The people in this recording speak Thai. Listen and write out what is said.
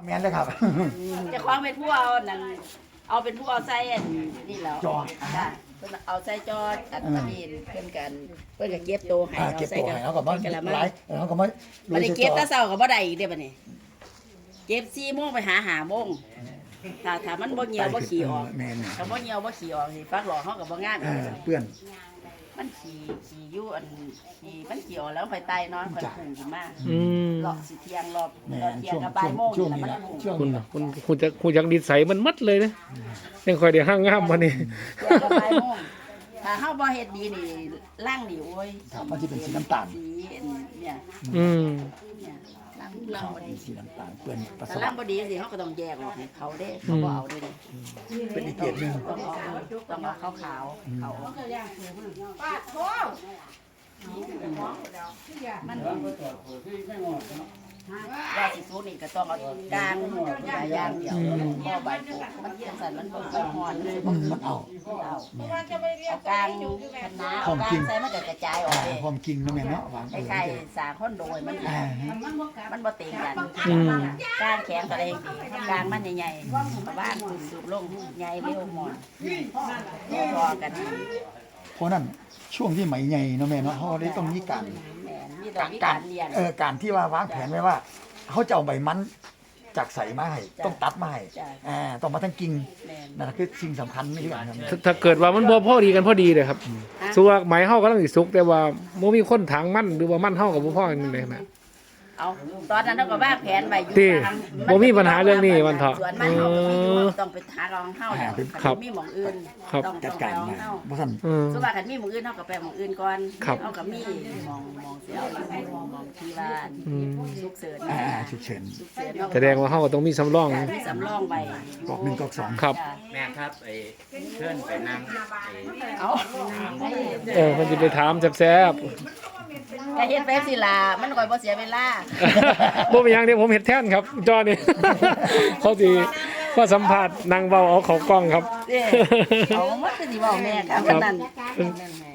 แม่นเลยครับจะคล้องเป็นผู้เอานั่นเอาเป็นผู้เอาใส่อันนี่แล้วจอดค่ะเพิ่นเอาใส่จอดอันนี้เพิ่นก็เก็บโตให้เก็บตัวให้เขาก็บ่กะละมัหลายเขาก็บ่บ่ได้เก็บแต่เช้าก็บ่ได้อีกเด้อบัดนี้เก็บ4 โมงไปหา5 โมงถ้ามันบ่เหี่ยวบ่ขี้ออกแม่นถ้าบ่เหี่ยวบ่ขี้ออกนี่ฟักหลอกเฮาก็บ่งามอีกเปื้อนมันขี้อยู่อันขี้มันขี้ออกแล้วค่อยไต่เนาะค่อยพุ่งขึ้นมา รอบสิเที่ยงรอบแม่รอบนเที่ยงช่วงกับบ่ายโมงช่วงนี่นี้แหละละมันพุ่งช่วงคุณนี้น่ะคุณจักนิสัยมันมัดเลยนะยังค่อยได้ห้างงามวันนี้เที่ยงกับบ่ายโมงถ้าเฮาบ่เฮ็ดดีนี่ล่างนี่โอ้ยครับมันสิเป็นสีน้ำตาลสีเนี่ยอืมเนี่ยล่างครับบ่เป็ดีนสีน้ำตาลเปื้อนปัสถ้าสาล่างวะบ่ดีสิเฮาก็ต้องแยกออกให้เขาเด้เขาบ่เอาเด้นี่เป็นอีกเกรดหนึงต้องเอาขาวๆเขามันยาสิสูนี่ก็ต้องเอากลางยางเดียวบ่ใบปลูกมันจังซั่นมันบ่ค่อยฮ้อนมันบ่มันเอาเอากลางคณะเอากลางใส่มันก็กระจายออกเองพร้อมกินเนาะแม่เนาะวางไอ้ไข่สาคนโดยมันมันบ่เต็งกันอืมกลางแข็งก็ได้ดีกลางมันใหญ่ๆบ้านคุณสูบลงใหญ่เร็วหมดพอกันเพราะนั้นช่วงที่ไหมใหญ่เนาะแม่เนาะเฮาได้ต้องมีการแม่มีต้องมีการเรียนการที่ว่าวางแผนไว้ว่าเขาจะเอาใบมันจากใสมาให้ต้องตัดมาให้ต้องมาทั้งกิ่งแม่นั่นคือสิ่งสำคัญนี่ครับถ้าเกิดว่ามันบ่พอดีกันพอดีเลยครับสัวไหมเฮาก็ต้องสิสุกแต่ว่าบ่มีคนถางมันหรือว่ามันเฮากับบ่พอกันเลยนะเอาตอนนั้นเราก็วางแผนไว้อยู่ที่บ่มีปัญหาเรื่องนี้วันเถาะส่วนมันเราก็มีอยู่ต้องไปหารองเฮาแล้วครับมีหม่องอื่นครับต้องจัดการไปมาเฮาบ่ทันอืมส่วนมากคันมีหม่องอื่นเฮาก็ไปหม่องอื่นก่อนครับเฮาก็มีหม่องเสียวอยู่หม่องที่ว่าอืมฉุกเฉินฉุกเฉินฉุกเฉินเฮาแสดงว่าเฮาก็ต้องมีสำรองมีสำรองไว้กอกหนึ่งกอกสองครับแม่ครับไอ้เพื่อนไปนั่งไอ้เอาเพิ่นสิไปถามแซ่บก็เฮ็ดไปสิล่ะมันก็บ่เสียเวลาๆบ่เป็นหยังเด้ผมเฮ็ดแทนครับจอนี่ เขาสิว่าสัมภาษณ์นางเว้าเอาเขากล้องครับเด้เอามันคือสิเว้าแม่ครับนั่น